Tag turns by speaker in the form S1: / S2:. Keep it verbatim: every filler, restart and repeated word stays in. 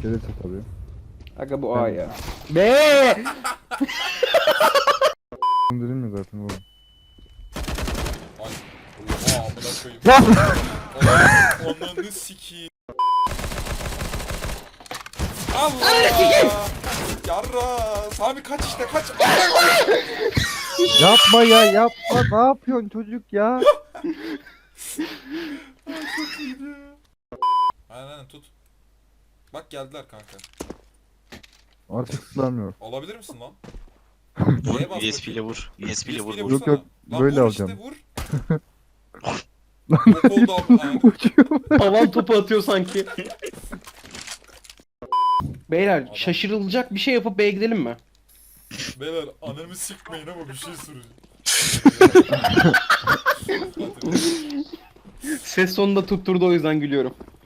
S1: Gelirse tabii.
S2: Aga bu A ya.
S3: Be!
S1: Dedim mi zaten oğlum?
S4: Ay. Oha amına koyayım. Oğlum, Ananı sikiyim. Allah! Yarra! Sami kaç işte kaç.
S1: Yapma ya yapma. Ne yapıyorsun çocuk ya?
S4: Aynen aynen tut. Bak geldiler kanka.
S1: Artık ıslanmıyor.
S4: Alabilir misin lan?
S5: Vur,
S4: Neye bas
S5: U S B ile
S4: bakayım?
S5: vur. U S B ile vur
S4: U S B ile
S5: vur.
S1: Yok,
S4: vursana.
S1: yok,
S4: Lan
S1: böyle
S4: vur
S1: alacağım.
S4: Işte, vur. Bok oldu abi. Aynen.
S3: Havan topu atıyor sanki. Beyler şaşırılacak bir şey yapıp B'ye gidelim mi?
S4: Beyler anamı sikmeyin ama bir şey soracağım.
S3: Ses sonunda tutturdu o yüzden gülüyorum.